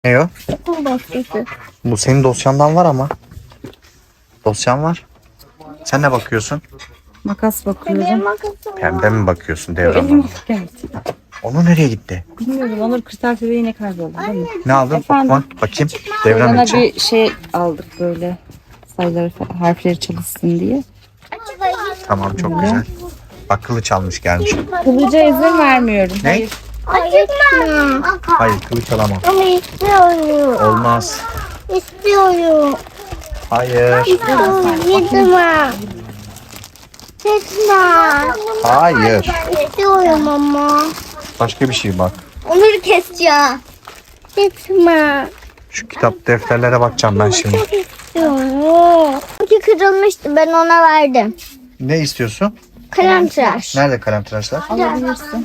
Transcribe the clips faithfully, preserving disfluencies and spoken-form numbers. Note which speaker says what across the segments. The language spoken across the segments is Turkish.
Speaker 1: Ne o?
Speaker 2: Okul baskısı.
Speaker 1: Bu senin dosyandan var ama. Dosyan var. Sen ne bakıyorsun?
Speaker 3: Makas
Speaker 2: Benim
Speaker 3: bakıyorum.
Speaker 2: makasım var.
Speaker 1: Pembe mi bakıyorsun
Speaker 3: Elim
Speaker 1: Devran'la?
Speaker 3: evet.
Speaker 1: Onu nereye gitti?
Speaker 3: Bilmiyorum. Onur kırtasiye yine kayboldu değil mi?
Speaker 1: Ne aldın?
Speaker 3: Efendim?
Speaker 1: Okuma. Bakayım. Devran
Speaker 3: Bana
Speaker 1: için.
Speaker 3: bir şey aldık böyle. Sayıları, harfleri çalışsın diye.
Speaker 1: Tamam, çok güzel. Bak, kılıç almış gelmiş.
Speaker 3: Kılıca izin vermiyorum.
Speaker 1: Ne?
Speaker 3: Hayır.
Speaker 2: Acıkma.
Speaker 1: Hayır, kılıç alamam.
Speaker 2: Ama istiyorum.
Speaker 1: Olmaz.
Speaker 2: İstiyorum.
Speaker 1: Hayır.
Speaker 2: İstiyorum. Gitme. Gitme.
Speaker 1: Hayır.
Speaker 2: İstiyorum ama.
Speaker 1: Başka bir şey bak.
Speaker 2: Onları keseceğim. Gitme.
Speaker 1: Şu kitap defterlere bakacağım ben şimdi.
Speaker 2: İstiyorum. Çünkü kırılmıştı. Ben ona verdim.
Speaker 1: Ne istiyorsun?
Speaker 2: Kalem tıraş.
Speaker 1: Nerede kalem tıraşlar?
Speaker 3: Alabilirsin.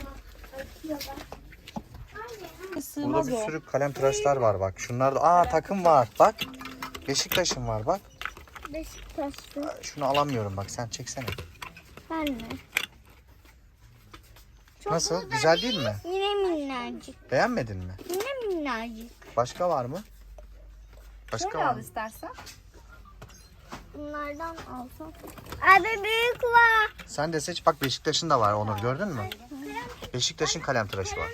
Speaker 1: Burada bir sürü kalem tıraşlar var bak. Şunlarda aa takım var bak. Beşiktaş'ın var bak.
Speaker 2: Beşiktaşlı.
Speaker 1: Şunu alamıyorum bak, sen çeksene.
Speaker 2: Ben mi?
Speaker 1: Nasıl? Güzel değil mi?
Speaker 2: Yine minnacık.
Speaker 1: Beğenmedin mi?
Speaker 2: Yine minnacık.
Speaker 1: Başka var mı? Başka var mı?
Speaker 3: istersen.
Speaker 2: Bunlardan alsam. Abi büyük var.
Speaker 1: Sen de seç bak, Beşiktaş'ın da var Onur, gördün mü? Beşiktaş'ın kalem tıraşı var.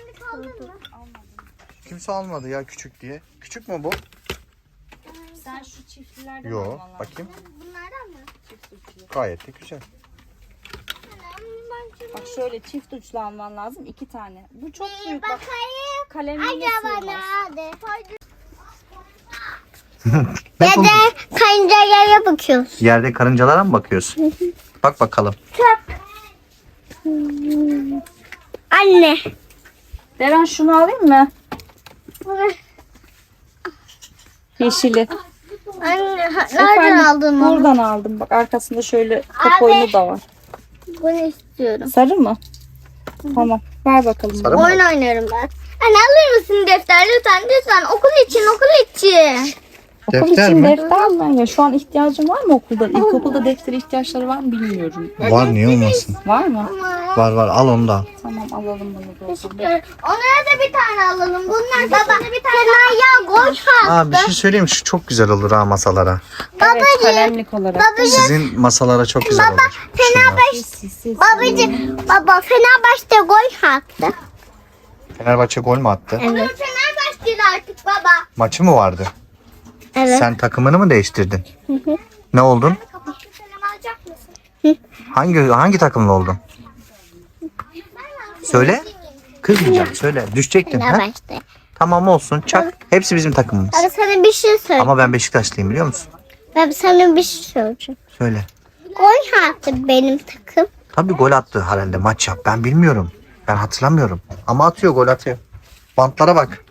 Speaker 1: Kimse almadı ya küçük diye. Küçük mü bu?
Speaker 3: Sen şu çiftlilerden
Speaker 1: Yo, bakayım.
Speaker 2: Bunlardan mı?
Speaker 1: Gayet de güzel.
Speaker 3: Bak şöyle çift uçlu alman lazım. iki tane. Bu çok büyük. Bak
Speaker 2: Bakayım.
Speaker 3: kalemliğine
Speaker 2: Acaba
Speaker 3: sığmaz.
Speaker 2: nerede?
Speaker 1: Ben
Speaker 2: Ya da kancalara bakıyoruz.
Speaker 1: Yerde karıncalara mı bakıyorsun? Bak bakalım.
Speaker 2: Anne.
Speaker 3: Deren şunu alayım mı? Yeşili.
Speaker 2: Anne ha- nereden aldın onu?
Speaker 3: Buradan aldım. Bak arkasında şöyle top
Speaker 2: Abi.
Speaker 3: oyunu da var.
Speaker 2: Bunu istiyorum.
Speaker 3: Sarı mı? Tamam. Ver bakalım.
Speaker 1: Sarı
Speaker 3: bana.
Speaker 1: mı?
Speaker 2: Oyun oynarım ben. Anne alır mısın defter lütfen lütfen okul için okul için.
Speaker 3: Okul
Speaker 1: Defter
Speaker 3: için
Speaker 1: mi?
Speaker 3: defter mi? Ya şu an ihtiyacın var mı okulda? İlkokulda defter ihtiyaçları var mı bilmiyorum.
Speaker 1: Var, niye olmasın?
Speaker 3: Var mı?
Speaker 1: Var var, al onu da al.
Speaker 3: Tamam alalım bunu da. o zaman.
Speaker 2: Onlara da bir tane alalım. Bunlar baba bir tane ya koy
Speaker 1: Aa, bir şey söyleyeyim, şu çok güzel olur ha masalara.
Speaker 3: Evet kalemlik olarak.
Speaker 1: Sizin masalara çok güzel olur. Şunlar.
Speaker 3: Sis, sis.
Speaker 2: babacığım baba Fenerbahçe gol attı.
Speaker 1: Fenerbahçe gol mü attı?
Speaker 2: Evet. Fenerbahçeli artık baba.
Speaker 1: Maçı mı vardı?
Speaker 2: Evet.
Speaker 1: Sen takımını mı değiştirdin? Ne oldun?
Speaker 2: Kapatı kalem alacak mısın?
Speaker 1: Hangi hangi takımlı oldun? Söyle. Kızmayacağım, söyle. Düşecektin ha?
Speaker 2: Fenerbahçe.
Speaker 1: Tamam, olsun, çak. Hepsi bizim takımımız.
Speaker 2: Ben sana bir şey söyleyeyim.
Speaker 1: Ama ben Beşiktaşlıyım, biliyor musun?
Speaker 2: Ben sana bir şey söyleyeceğim.
Speaker 1: Söyle.
Speaker 2: Gol attı benim takım.
Speaker 1: Tabii gol attı herhalde, maç yap. Ben bilmiyorum. Ben hatırlamıyorum. Ama atıyor, gol atıyor. Bantlara bak.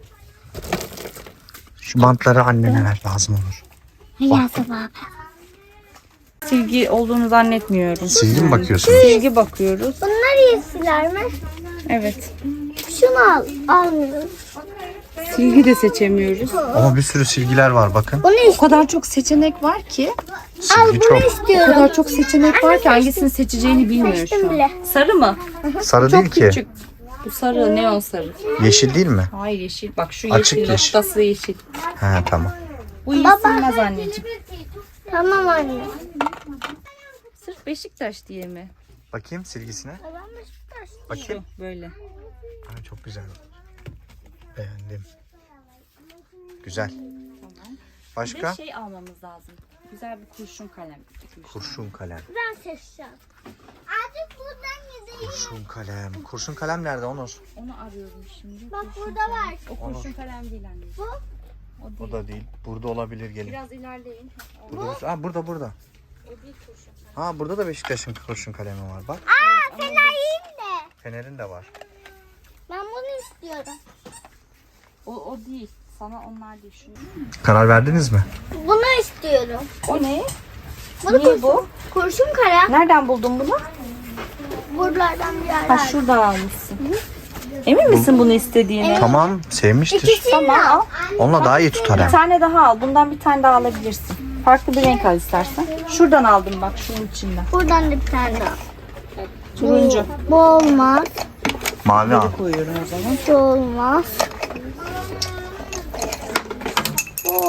Speaker 1: Şu bantları annene ver, lazım olur.
Speaker 2: Yazı baba.
Speaker 3: Silgi olduğunu zannetmiyorum.
Speaker 1: Silgi mi bakıyorsunuz?
Speaker 3: Silgi bakıyoruz.
Speaker 2: Bunlar iyisiler mi?
Speaker 3: Evet.
Speaker 2: Şunu al. Almıyorum.
Speaker 3: Silgi de seçemiyoruz.
Speaker 1: Ama bir sürü silgiler var, bakın.
Speaker 2: Bunu
Speaker 3: O
Speaker 2: istiyorum.
Speaker 3: kadar çok seçenek var ki.
Speaker 1: Silgi
Speaker 2: Bunu
Speaker 1: çok.
Speaker 3: O
Speaker 2: istiyorum.
Speaker 3: kadar çok seçenek var ki hangisini seçeceğini bilmiyor
Speaker 2: Seçtim
Speaker 3: şu
Speaker 2: bile.
Speaker 3: an. Sarı mı?
Speaker 1: Sarı
Speaker 3: Çok
Speaker 1: değil ki.
Speaker 3: küçük. Bu sarı, neon sarı.
Speaker 1: Yeşil değil mi?
Speaker 3: Hayır yeşil. Bak şu
Speaker 1: Açık
Speaker 3: yeşil
Speaker 1: yeşil.
Speaker 3: noktası yeşil.
Speaker 1: He, tamam.
Speaker 3: Bu iyi
Speaker 2: Baba.
Speaker 3: silmez anneciğim.
Speaker 2: Tamam anne.
Speaker 3: Sırf Beşiktaş diye mi?
Speaker 1: Bakayım silgisine. Bakayım.
Speaker 3: Şu böyle.
Speaker 1: Ha, çok güzel. Beğendim. Güzel.
Speaker 3: Tamam. Bir
Speaker 1: Başka?
Speaker 3: de şey almamız lazım. Güzel bir kurşun kalem.
Speaker 1: Kurşun kalem.
Speaker 2: Ben seçeceğim. Artık buradan gideyim.
Speaker 1: Kurşun kalem. Kurşun kalem nerede Onur?
Speaker 3: Onu arıyorum şimdi.
Speaker 2: Bak
Speaker 3: Kurşun
Speaker 2: burada
Speaker 3: kalem.
Speaker 2: var.
Speaker 3: O kurşun kalem değil anneciğim.
Speaker 2: Bu?
Speaker 3: O değil.
Speaker 1: O da değil. Burada olabilir, gelin.
Speaker 3: Biraz ilerleyin. O,
Speaker 1: Burada bir... Ha, burada burada.
Speaker 3: o değil kurşun kalem.
Speaker 1: Ha, burada da Beşiktaş'ın kurşun kalemi var bak.
Speaker 2: Aa Fener'in de.
Speaker 1: Fener'in de var.
Speaker 2: Ben bunu istiyorum.
Speaker 3: O, o değil. Sana onlar değil. Şunu.
Speaker 1: Karar verdiniz mi?
Speaker 2: Bunu istiyorum.
Speaker 3: O ne?
Speaker 2: Bunu
Speaker 3: Niye bu?
Speaker 2: Kurşun kalem.
Speaker 3: Nereden buldun bunu?
Speaker 2: Buralardan bir
Speaker 3: Ha
Speaker 2: yerler.
Speaker 3: şuradan almışsın. Emin misin bunu istediğine?
Speaker 1: Tamam, sevmiştir.
Speaker 2: İkisini
Speaker 3: Tamam
Speaker 2: al.
Speaker 3: al.
Speaker 1: Onunla daha iyi tutar
Speaker 3: Bir
Speaker 1: hem.
Speaker 3: tane daha al. Bundan bir tane daha alabilirsin. Farklı bir renk al istersen. Şuradan aldım bak şunun içinden.
Speaker 2: Buradan da bir tane daha.
Speaker 3: Turuncu.
Speaker 2: Bu olmaz.
Speaker 1: Mavi al.
Speaker 3: Koyuyorum o zaman.
Speaker 2: Bu olmaz.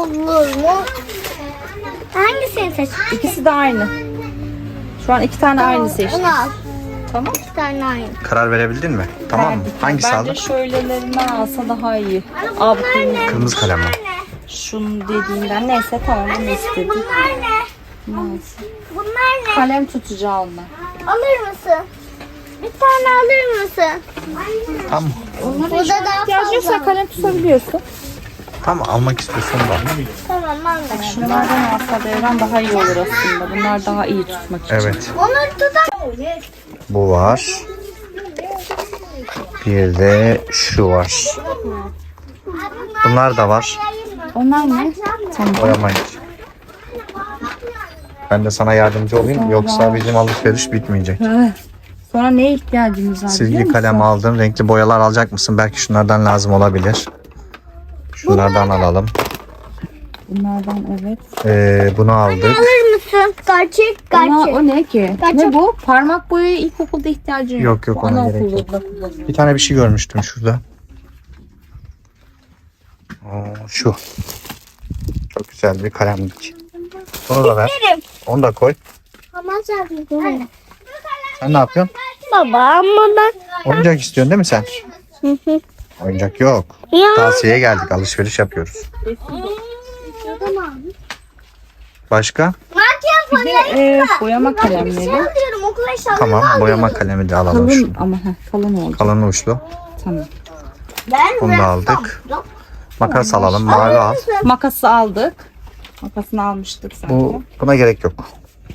Speaker 2: olur mu? Hangisini seçtin?
Speaker 3: İkisi de aynı. Şu an iki tane aynı seçtim.
Speaker 2: Onu al.
Speaker 3: Tamam.
Speaker 2: İki tane aynı.
Speaker 1: Karar verebildin mi? Tamam mı?
Speaker 3: Verdik.
Speaker 1: Hangisi
Speaker 3: Bence
Speaker 1: aldın?
Speaker 3: şöylelerinden alsa daha iyi. Al bakayım.
Speaker 1: Kırmızı kalem mi?
Speaker 3: Şunu dediğinden neyse tamam bunu istedim.
Speaker 2: Bunlar ne?
Speaker 3: Neyse.
Speaker 2: Bunlar ne?
Speaker 3: Kalem tutacağı onlar.
Speaker 2: Alır mısın? Bir tane alır mısın?
Speaker 1: Tamam.
Speaker 3: Onlara
Speaker 2: Burada
Speaker 3: hiç
Speaker 2: daha
Speaker 3: ihtiyacın
Speaker 2: fazla
Speaker 3: yoksa
Speaker 2: var.
Speaker 3: kalem tutabiliyorsun.
Speaker 1: Tamam almak istiyorsan da. al.
Speaker 2: Tamam ben de.
Speaker 3: Şunlardan alsa devran daha iyi olur aslında. Bunlar daha iyi tutmak için.
Speaker 1: Evet.
Speaker 2: Onları tutar.
Speaker 1: Bu var. Bir de şu var. Bunlar da var.
Speaker 3: Onlar ne? Tamam.
Speaker 1: Boyamayın. Ben de sana yardımcı olayım. Yoksa bizim alışveriş bitmeyecek.
Speaker 3: Sonra neye ihtiyacımız var biliyor
Speaker 1: Silgi
Speaker 3: musun?
Speaker 1: kalem aldın. Renkli boyalar alacak mısın? Belki şunlardan lazım olabilir. Şunlardan alalım.
Speaker 3: Bunlardan evet.
Speaker 1: Ee, bunu aldık.
Speaker 2: Alır mısın? Gerçek
Speaker 3: Ama
Speaker 2: gerçek.
Speaker 3: o ne ki?
Speaker 2: Gerçek.
Speaker 3: Ne bu? Parmak boyaya ilkokulda ihtiyacın yok.
Speaker 1: Yok, yok,
Speaker 3: Bu
Speaker 1: ona
Speaker 3: anaokulda
Speaker 1: gerek yok.
Speaker 3: kullanılıyor.
Speaker 1: Bir tane bir şey görmüştüm şurada. Oo, şu. Çok güzel bir kalemlik. Bunu da ver. Onu da koy.
Speaker 2: Ama zaten.
Speaker 1: Sen ne yapıyorsun?
Speaker 2: Baba ama ben.
Speaker 1: Oyuncak istiyorsun değil mi sen? Oyuncak yok.
Speaker 2: Ya.
Speaker 1: Tavsiyeye geldik. Alışveriş yapıyoruz. Başka?
Speaker 2: Makyaj
Speaker 3: Bir de e, boyama kalemleri.
Speaker 2: alıyorum okul eşyalarını
Speaker 1: Tamam.
Speaker 2: alıyorum.
Speaker 1: Boyama kalemi de alalım.
Speaker 3: Kalın
Speaker 1: Şunu.
Speaker 3: ama heh, kalın olacak.
Speaker 1: Kalın uçlu.
Speaker 3: Tamam.
Speaker 2: Ben
Speaker 1: Bunu da aldık. Makas alalım. Mavi al.
Speaker 3: Makası aldık. Makasını almıştık zaten.
Speaker 1: Bu, buna gerek yok.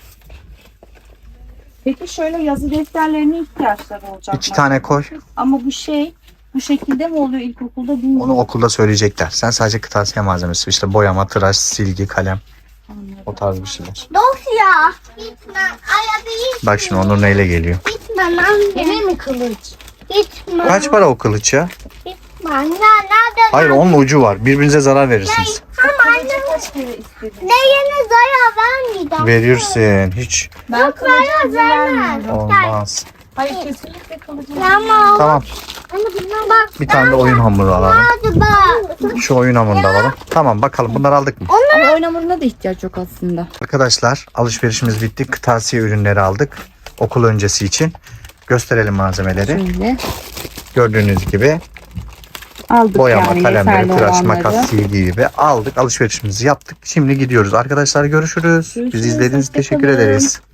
Speaker 3: Peki şöyle yazı defterlerine ihtiyaçları olacak.
Speaker 1: İki
Speaker 3: mı?
Speaker 1: tane koy.
Speaker 3: Ama bu şey bu şekilde mi oluyor ilkokulda bilmiyorum.
Speaker 1: Onu okulda söyleyecekler. Sen sadece kırtasiye malzemesi. İşte boyama, tıraş, silgi, kalem. O tarz bir şeyler.
Speaker 2: Dosya. Gitme. Ayadı
Speaker 1: Bak şimdi Onur neyle geliyor.
Speaker 2: gitme anne.
Speaker 3: Yine mi kılıç?
Speaker 2: Gitme.
Speaker 1: Kaç para o kılıç ya?
Speaker 2: Gitme anne. Nerede?
Speaker 1: Hayır onun ucu var. Birbirinize zarar verirsiniz.
Speaker 2: Ama anne.
Speaker 3: Kaç kere istedim?
Speaker 2: Değene zarar vermeyeceğim.
Speaker 1: Verirsin. Hiç
Speaker 3: Ben kılıcı izin vermiyorum.
Speaker 1: olmaz.
Speaker 3: Hayır kesinlikle kılıcı izin
Speaker 2: Tamam.
Speaker 1: Tamam.
Speaker 2: Anne bundan bak.
Speaker 1: Bir tane de oyun hamuru alalım.
Speaker 2: Hadi bak.
Speaker 1: Şu oyun hamurunu da alalım. Tamam bakalım bunları aldık mı?
Speaker 3: Ama oyun hamuruna da ihtiyaç yok aslında.
Speaker 1: Arkadaşlar alışverişimiz bitti. Kırtasiye ürünleri aldık. Okul öncesi için. Gösterelim malzemeleri.
Speaker 3: Şöyle
Speaker 1: Gördüğünüz gibi
Speaker 3: aldık
Speaker 1: boyama,
Speaker 3: yani
Speaker 1: kalemleri,
Speaker 3: yeterli
Speaker 1: tıraş,
Speaker 3: olanları.
Speaker 1: makas, silgi gibi aldık. Alışverişimizi yaptık. Şimdi gidiyoruz. Arkadaşlar görüşürüz.
Speaker 3: Görüşürüz,
Speaker 1: Bizi izlediğiniz için
Speaker 3: hoşça
Speaker 1: teşekkür
Speaker 3: kalın.
Speaker 1: ederiz.